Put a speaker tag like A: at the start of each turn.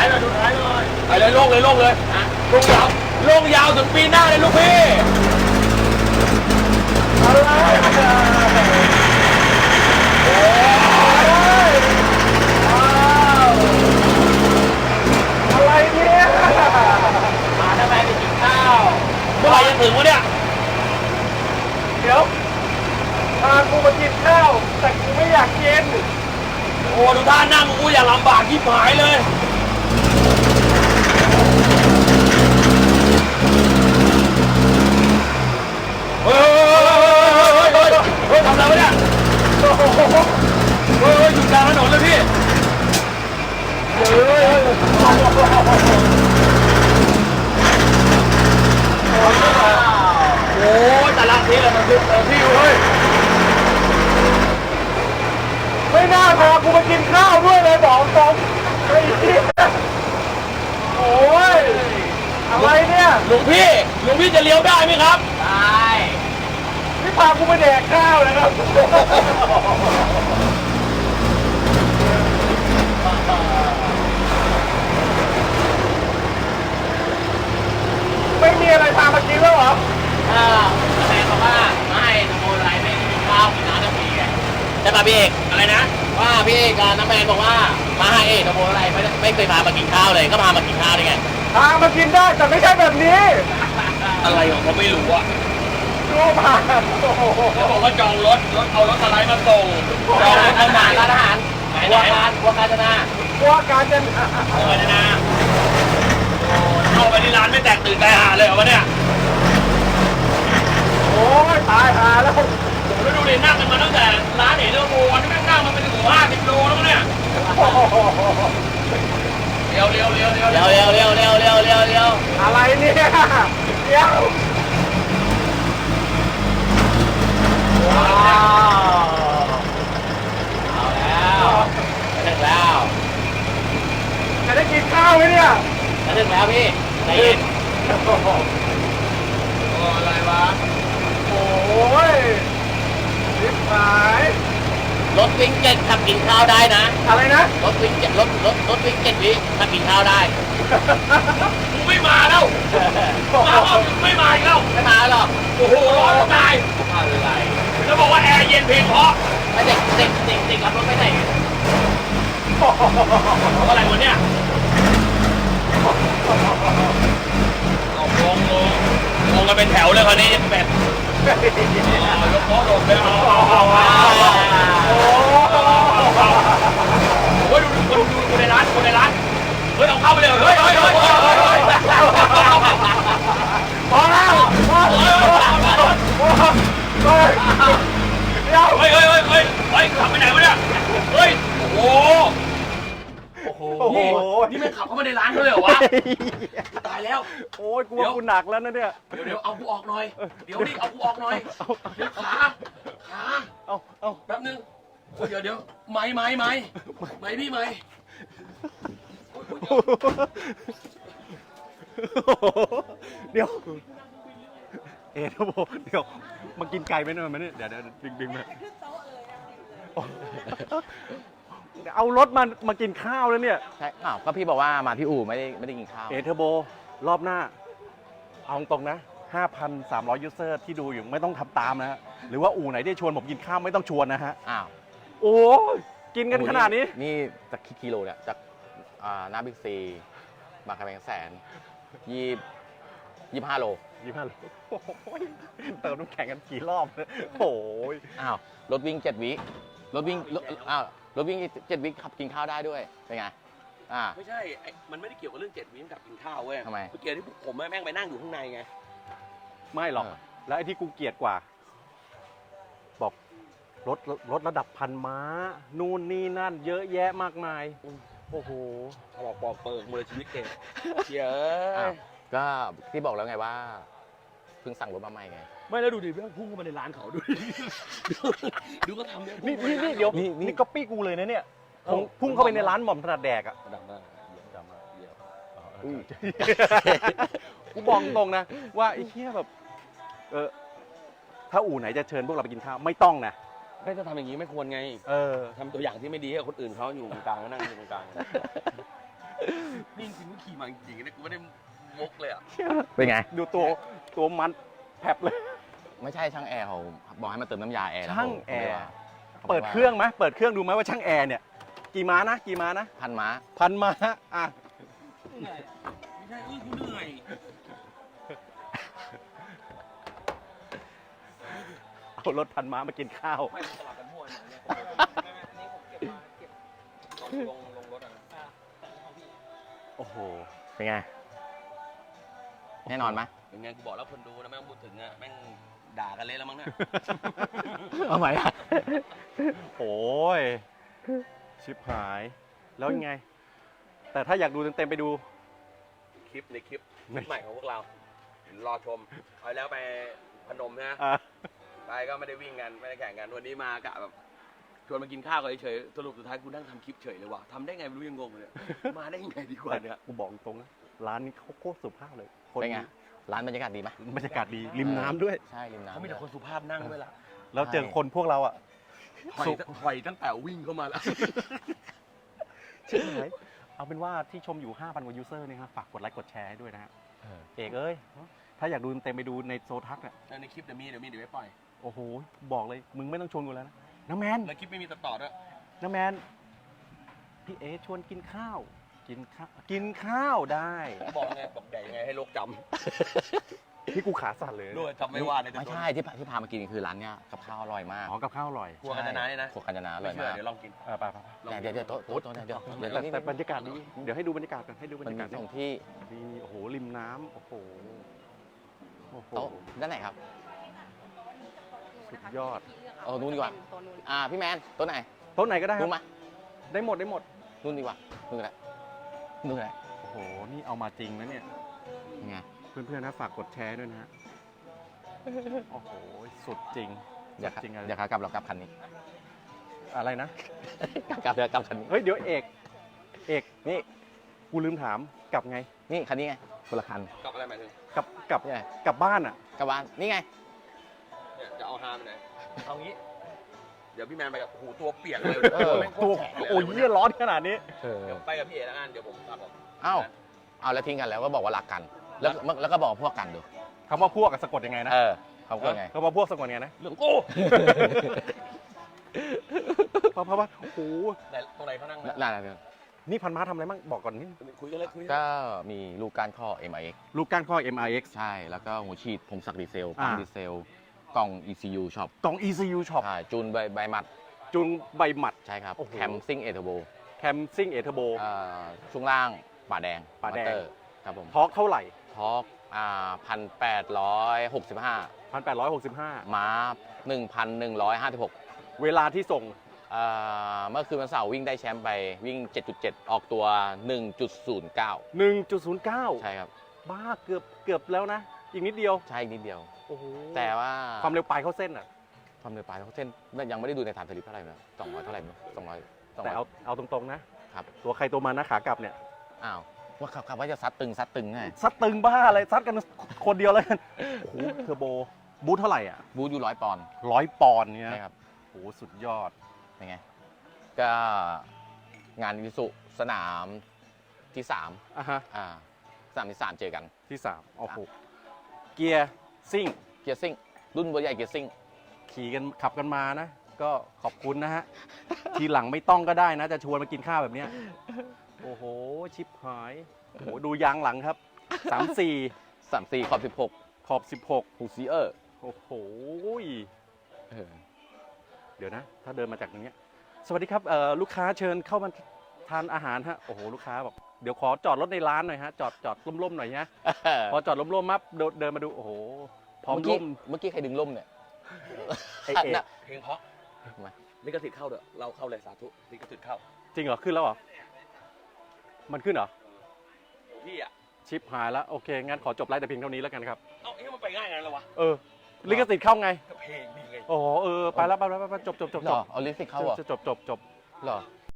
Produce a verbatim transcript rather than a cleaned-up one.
A: หน่อยดูท้ายหน่อยไปเลยโล่งเลยโล่งเลยโล่งยาวโล่งยาวถึงปีหน้าเลยลูกพี่อะไรโอ้ยอะไรเนี่ยมาทำไมไปกินข้าวเมื่อไหร่จะถึงวะเนี่ยเดี๋ยวพากูมากินข้าวแต่กูไม่อยากกินโอ้ดูท่านั่งกูอยากลำบากที่หายเลยเฮ้ยเฮ้ยเฮ้ยเฮ้ยทำอะไรวะเนี่ยโอ้โหเฮ้ยอยู่กลางถนนเลยพี่เฮ้ยเฮ้ยโอ้ยแต่ละทีเลยมันคือพี่เฮ้ยไม่น่าพากูมากินข้าวด้วยเลยบอกตรงไอ้เหี้ยโอ้ยอะไรเนี่ยหลวงพี่หลวงพี่จะเลี้ยวได้ไหมครับได้นี่พากูมาแดกข้าวนะครับไม่มีอะไรพามากินแล้วเหรออ่าแม่บอกว่าไม่ทำโมอะไรไม่กินข้าวกินน้ำน้ำพีไงใช่ป่ะพี่เอกอะไรนะว่าพี่เอกกับน้ำแมนบอกว่ามาให้เอกทำโมอะไรไม่ไม่เคยพามากินข้าวเลยก็พามากินข้าวได้ไงพามากินได้แต่ไม่ใช่แบบนี้อะไรของเขาไม่รู้อะรู้มาเขาบอกว่าจองรถรถเอารถสไลด์มาส่งจองรถอาหารร้านอาหารวัวการวัวการจนาวัวการจนาวัวการจนาเข้าไปที่ร้านไม่แตกตื่นใจหาเลยเหรอวะเนี่ยโอ้ยตายหาแล้วแล้วดูดินั่งกันมาตั้งแต่ร้านเอเดอร์โมวันนี้แม่งนั่งมาเป็นถึงห้าสิบโลแล้วเนี่ยเร็วเร็วเร็วเร็วเร็วเร็วเร็วเร็วเร็วเร็วเร็วอะไรเนี่ยเร็วว้าวเอาแล้วถึงแล้วจะได้กินข้าวไหมเนี่ยจะถึงแล้วพี่ใจเย็นโอ้อะไรวะโอ้ยริบหายรถวิ่งเจ็ดขับกินข้าวได้นะอะไรนะรถวิ่งเจ็ดรถรถรถวิ่งเจ็ดวิขับกินข้าวได้กูไม่มาแล้วมาว่าไม่มาอีกแล้วไม่มาหรอกโอ้โหร้อนตายอะไรแล้วบอกว่าแอร์เย็นเพียงพอไม่เด็กเด็กเด็กเด็กขับรถไม่ได้อะไรวะเนี่ยเอาลงลงลงกันเป็นแถวเลยคราวนี้แบบยกโต๊ะลงเลยโอ้ยดูดูดูในร้านดูในร้านเฮ้ยเอาเข้าไปเลยเฮ้ยเฮ้ยเฮ้ยพอแล้วพอเฮ้ยเฮ้ยเฮ้ยเฮ้ยเฮ้ยเฮ้ยขับไปไหนวะเนี่ยเฮ้ยโอ้โหโอ้โหนี่ไม่ขับเข้ามาในร้านเขาเลยเหรอวะตายแล้วโอ้ยกูว่ากูหนักแล้วนะเนี่ยเดี๋ยวเดี๋ยวเอากูออกหน่อยเดี๋ยวนี่เอากูออกหน่อยเดี๋ยวขาขาเอาเอาแป๊บนึงเดี๋ยวเดี๋ยวไม้ไม้ไม้ไม้พี่ไม้เดี๋ยวเอ๋นะโบเดี๋ยวมากินไก่ไหมเนี่ยมันนี่เดี๋ยวเดี๋ยวดึงดึงมาเอารถมามากินข้าวแล้วเนี่ย
B: ใช่อ้าวก็พี่บอกว่ามาที่อู่ไม่ได้ไม่ได้กินข้าว
A: เอเทอร์โบรอบหน้าเอาตรงนะ ห้าพันสามร้อย ยูเซอร์ที่ดูอยู่ไม่ต้องทำตามนะฮะหรือว่าอู่ไหนที่ชวนผมกินข้าวไม่ต้องชวนนะฮะ
B: อ้าว
A: โอ้กินกันขนาดนี้
B: นี่จากกิโลเนี่ยจากหน้าบิ๊กซีบางกะแพงแสนยี่ยี่ห้าโล
A: ยี่ห้าโลเติมน้ำแข็งกันกี่รอบโอ้ย
B: อ้าวรถวิ่งเจ็ดวิรถวิ่งอ้าวรถวิ่งเจ็ดวิขับกินข้าวได้ด้วยเป็นไงอ่า
C: ไม่ใช่มันไม่ได้เกี่ยวกับเรื่องเจ็ดวิกับกินข้าวเว้ย
B: ทำไม
C: เกี่ยวที่ผมแม่งไปนั่งอยู่ข้างในไง
A: ไม่หรอกแล้วไอ้ที่กูเกลียดกว่าบอกรถรถระดับพันม้านู่นนี่นั่นเยอะแยะมากมายโอ้โห
C: เขาบอกปอกเปิงมือชีวิตเก่งเยอะ
B: ก็ที่บอกแล้วไงว่าเพิ่งสั่งรถมาใหม่ไง
C: ไม่แล้วดูดิเพื่อนพุ่งเข้ามาในร้านเขาดูดูก็ทำเนี่ย
A: นี่นี่เดี๋ยวนี่ก๊อปปี้กูเลยนะเนี่ยพุ่งเข้าไปในร้านหม่อมถนัดแดกอ่ะ
C: ดังมากดังมากเยี่ยม
A: กูบอกตรงนะว่าไอ้เหี้ยแบบเออถ้าอู่ไหนจะเชิญพวกเราไปกินข้าวไม่ต้องนะ
C: ไม่ถ้าทำอย่างนี้ไม่ควรไงเออทำตัวอย่างที่ไม่ดีให้คนอื่นเขาอยู่กลางก็นั่งอยู่กลางนี่จริงๆนะกูไม่ได้มุกเลยอ่ะ
B: เป็นไง
D: ดูตัวตัวมันแผลบเลย
B: ไม่ใช่ช่างแอร์เขาบอกให้มาเติมน้ำยาแอร์นะ
D: ช่าง
B: ผม
D: แอร์
B: ผม
D: เปิดเครื่องไหมเปิดเครื่องดูไหมว่าช่างแอร์เนี่ย กี่ม้านะ กี่ม้านะ
B: พันม้า
D: พันม้าอ่ะ
C: เหนื่อยไม่ใช่เอ้ยกูเหนื่อย
D: เอารถพันม้ามากินข้าว
C: ไม่สลับกันมั่วเนี่ยนี่ผมเก็บมาเก็บลงลงรถอ่ะ
D: โอ้โห
B: เป็นไง แน่นอนไหม
C: เป็นไงกูบอกแล้วคนดูนะแม่งพูดถึงอ่ะแม่งด่ากันเละแล้วมั้งเนี่ย
B: เอาไหมอะ
D: โอ้ย ชิบหาย แล้วยังไง แต่ถ้าอยากดูเต็มๆไปดู
C: คลิปในคลิปคลิปใหม่ของพวกเรารอชมเอาแล้วไปพนมนะ
D: อ่ะ
C: ไปก็ไม่ได้วิ่งกันไม่ได้แข่งกันวันนี้มากะแบบชวนมากินข้าวกันเฉยๆสรุปสุดท้ายกูนั่งทำคลิปเฉยเลยว่ะทำได้ไงไม่รู้ยังงงเลยมาได้ยังไงดีกว่า
D: แต่
C: เนี่ย
D: กูบอกตรงนะร้านนี้เขาโคตรสุภาพเลยคน
B: เป็นไง ร้านบรรยากาศดีไหม
D: บรรยากาศดี ริมน้ำด้วย
B: ใช่ ริมน้ำ
C: เขามีแต่คนสุภาพนั่งด้วยล่ะ
D: แล้วเจอคนพวกเราอ่ะ
C: ถอยถอยตั้งแต่วิ่งเข้ามาแล้ว
D: ชิบหาย เอาเป็นว่าที่ชมอยู่ ห้าพัน กว่ายูเซอร์เนี่ยครับฝากกดไลค์กดแชร์ให้ด้วยนะฮะ
B: เออ
D: เอกเอ้ย ถ้าอยากดูเต็มๆไปดูในโซทักอ่ะ
C: ในคลิปเดี๋ยวมีเดี๋ยวมีเดี๋ยวไม่ปล่อย
D: โอ้โห บอกเลย มึงไม่ต้องชวนกูแล้วนะ น้าแมน
C: แล้วคลิปไม่มีตัดต่อด้วย
D: น้าแมน พี่เอชวนกินข้าว กินข้าว กินข้าวได้
C: บอกไงบอกใหญ่ยังไงให้โลกจ
D: ที่กูขาสั่นเลย
C: ำด้วยจำไม่ว่าใน
B: ไม่ใช่ที่พาที่พามากินคือร้านเนี้ยกับข้าวอร่อยมาก
D: อ๋อ กับข้าวอร่อย
C: ครัวกันจะนานเนี่ยนะ
B: ครัวกัญจนาอร่
C: ไม่
B: อย
C: เชื่อ
B: มาก
C: เดี๋ยวลองกิน
D: เออไปไปไป
B: เดี๋ยวเดี๋ยวโต๊ะโต๊ะโต๊ะเดี๋ยวเดี๋ยว
D: แต่
B: เดี๋ยว
D: แต่บรรยากาศดี เดี๋ยวให้ดูบรรยากาศกัน ให้ดูบร
B: มัน
D: รยา
B: มี
D: กาศ
B: สองที่
D: นี่โอ้โห ริมน้ำโอ้โห โอ้โห
B: โต๊ะด้านไหนครับ
D: สุดยอด
B: เออนู่นดีกว่า
E: ตัวนู้น
B: อ่าพี่แมนโต๊ะไหน
D: โต๊ะไหนก็ได้ค
B: นู่
D: รั
B: น
D: บ
B: มา
D: ได้หมด ได้หมด
B: นู่นดีกว่านู่นก็ได้นู่นก็ได้
D: โอ้โห นี่เอามาจริงนะเนี่ย
B: ยังไง
D: เพื่อนๆนะฝากกดแชร์ด้วยนะฮะ โอ้โห สุดจริง
B: เดี๋ยว
D: สุจริงอะไร
B: เดี๋ยวขากลับเรากลับคันนี้
D: อะไรนะ
B: กลับเดี๋ยวกลับคันนี้
D: เฮ้ย เดี๋ยวเอก เอก
B: นี่
D: กูลืมถาม กลับไง
B: นี่คันนี้ไงคนละคัน
C: กลับอะไรหมายถึง
D: กลับ กลับ
B: นี่ไง
D: กลับบ้านอ่ะ
B: กลับบ้านนี่ไง
C: เนี่ยจะเอาฮาไปไหนเอางี้ เดี๋ยวพี่แมนไปกับหูตัวเปียกเลย
B: เออ
C: แม่งโค
D: ตัว
C: ตรแข็งเลย
D: โอ้ยเยี่ยร้อนขนาดนี้
B: เออ
C: เดี๋ยวไปกับพี่เอแล้วกันเดี๋ยวผมกลับออก
B: เอ้าเอาแล้วทิ้งกันแล้วก็บอกว่ารักกัน แล้วแล้วก็บอกว่าพวกกันดู
D: คำว่าพวกกับสะกดยังไงนะ
B: เออเขาพูดไง
D: คำว่าพวกสะกดยังไงนะ
C: เรื่องกู
D: เพราะเพราะว่าโอ้โห
C: ไหนตรงไหนเขานั่งนะ
B: นั่นนั่น
D: นี่พันม้าทำอะไรบ้างบอกก่อนนี่
C: คุยกันเลยคุยกัน
B: ก็มีลูกก้านข้อ เอ็ม ไอ เอ็กซ์
D: ลูกก้านข้อ เอ็ม ไอ เอ็กซ์
B: ใช่ แล้วก็หัวฉีดพงศักดิ์ดีเซลปั๊ม
D: อ่า
B: ดีเซล กล่อง อี ซี ยู ช็อป
D: กล่อง อี ซี ยู Shop
B: ใช่จูนใบใบหมัด
D: จุนใบหมัด
B: ใช่ครับ
D: โอ้โห
B: แคมซิ่งเอเทอร์โบ
D: แคมซิ่งเอเทอร์โบ
B: ช่วงล่างป่าแดง
D: ป่าแดง
B: มอเตอร์ครับผม
D: ทอร์กเท่าไหร่
B: ทอร์กอ่าพันแปดร้อยหกสิบห้า
D: หนึ่งพันแปดร้อยหกสิบห้า
B: ม้าหนึ่งพันหนึ่งร้อยห้าสิบหก
D: เวลาที่ส่ง
B: เมื่อคืนวันเสาร์วิ่งได้แชมป์ไปวิ่ง เจ็ดจุดเจ็ด ออกตัว หนึ่งจุดศูนย์เก้า
D: หนึ่งจุดศูนย์เก้า
B: ใช่ครับ
D: บ้าเกือบเกือบแล้วนะ อีกนิดเดียว
B: ใช่อีกนิดเดียว
D: โอ้โห
B: แต่ว่า
D: ความเร็วปลายเข้าเส้นอ่ะ
B: ความเร็วปลายเขาเส้นยังไม่ได้ดูในฐานสลิปเท่าไหร่นะสองร้อยเท่าไหร่นะสองร้อยสอง
D: แต่
B: ร้อย
D: เอาเอาตรงๆนะ ครับ ตัวใครตัวมันนะขากลับเนี่ย
B: อ้าวว่าขับขับว่าจะซัดตึงซัดตึงไง
D: ซัดตึงบ้าอะไรซัดกันคนเดียวเลยกันโอ้โหเทอร์โบ บูทเท่าไหร่อ่ะ
B: บูทอยู่ร้อยปอนด์
D: ร้อยปอนด์เนี่ย
B: ใช่ครับ
D: โอ้โหสุดยอด
B: เป็นไง ก็งานวิสุสนามที่สาม
D: อ่ะฮะ
B: อ่าสนามที่สามเจอกัน
D: ที่สามโอ้โหเกียร์ซิ่ง
B: เกียร์ซิ่งรุ่นเบอร์ใหญ่เกียร์ซิ่ง
D: ขี่กันขับกันมานะ ก็ขอบคุณนะฮะ ทีหลังไม่ต้องก็ได้นะ จะชวนมากินข้าวแบบเนี้ยโอ้โห ชิปหายโอ้โหดูยางหลังครับสามสี่
B: สามสี่ขอบสิบหก
D: ขอบสิบหก
B: ฮูซีเออร์
D: โอ้โหเดี๋ยวนะ ถ้าเดินมาจากตรงเนี้ยสวัสดีครับเอ่อลูกค้าเชิญเข้ามาทานอาหารฮะโอ้โหลูกค้าบอกเดี๋ยวขอจอดรถในร้านหน่อยฮะจอดจอดร่มๆหน่อยฮะพอจอดร่มๆมับเดินเดินมาดูโอ้โหพร้อม
B: เมื่อกี้
D: ร่ม
B: เมื่อกี้ใครดึงล่มเนี่ย
D: ไอเอก
B: น่ะ
C: เพลงเพราะ
B: มา
C: ลิขสิทธิ์เข้าเด้อเราเข้าเลยสาธุลิขสิทธิ์เข้า
D: จริงเหรอขึ้นแล้วเหรอมันขึ้นเหรอ
C: พี่อ่ะ
D: ชิปหายแล้วโอเคงั้นขอจบไลฟ์แต่เพียงเท่านี้แล้วกันครับ
C: เอ้าเอ๊ะมันไปง่ายงั้นเลยวะ
D: เออลิขสิทธิ์เข้าไง
C: ก็เพลงดีไง
D: โอ้โหเออไปแล้วไปแล้วไปแล้วจบจบจบ
B: เหร
D: จ
B: อบ เอาลิปสติกเข้าเหรอ
D: จบจบจบจบ
B: เหรอ